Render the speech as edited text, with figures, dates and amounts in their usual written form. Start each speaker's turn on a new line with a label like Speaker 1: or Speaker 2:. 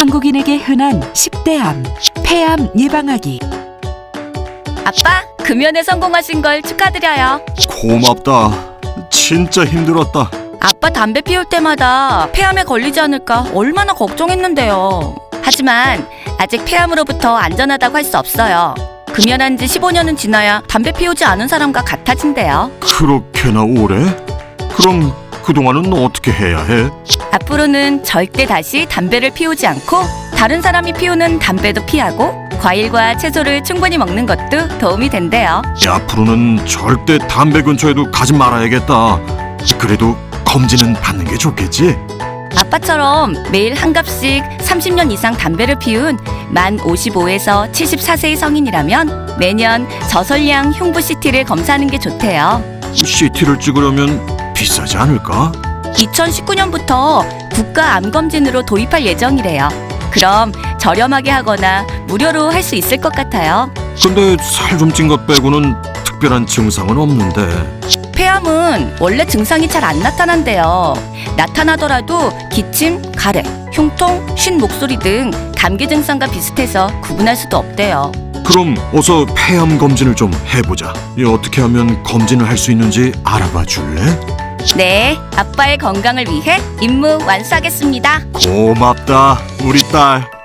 Speaker 1: 한국인에게 흔한 10대암, 폐암 예방하기.
Speaker 2: 아빠, 금연에 성공하신 걸 축하드려요.
Speaker 3: 고맙다. 진짜 힘들었다.
Speaker 2: 아빠 담배 피울 때마다 폐암에 걸리지 않을까 얼마나 걱정했는데요. 하지만 아직 폐암으로부터 안전하다고 할 수 없어요. 금연한 지 15년은 지나야 담배 피우지 않은 사람과 같아진대요.
Speaker 3: 그렇게나 오래? 그럼 그동안은 어떻게 해야 해?
Speaker 2: 앞으로는 절대 다시 담배를 피우지 않고 다른 사람이 피우는 담배도 피하고 과일과 채소를 충분히 먹는 것도 도움이 된대요.
Speaker 3: 앞으로는 절대 담배 근처에도 가지 말아야겠다. 그래도 검진은 받는 게 좋겠지?
Speaker 2: 아빠처럼 매일 한 갑씩 30년 이상 담배를 피운 만 55에서 74세의 성인이라면 매년 저설량 흉부 CT를 검사하는 게 좋대요.
Speaker 3: CT를 찍으려면 비싸지 않을까?
Speaker 2: 2019년부터 국가 암검진으로 도입할 예정이래요. 그럼 저렴하게 하거나 무료로 할 수 있을 것 같아요.
Speaker 3: 근데 살 좀 찐 것 빼고는 특별한 증상은 없는데.
Speaker 2: 폐암은 원래 증상이 잘 안 나타난대요. 나타나더라도 기침, 가래, 흉통, 쉰 목소리 등 감기 증상과 비슷해서 구분할 수도 없대요.
Speaker 3: 그럼 어서 폐암 검진을 좀 해보자. 어떻게 하면 검진을 할 수 있는지 알아봐 줄래?
Speaker 2: 네, 아빠의 건강을 위해 임무 완수하겠습니다.
Speaker 3: 고맙다, 우리 딸.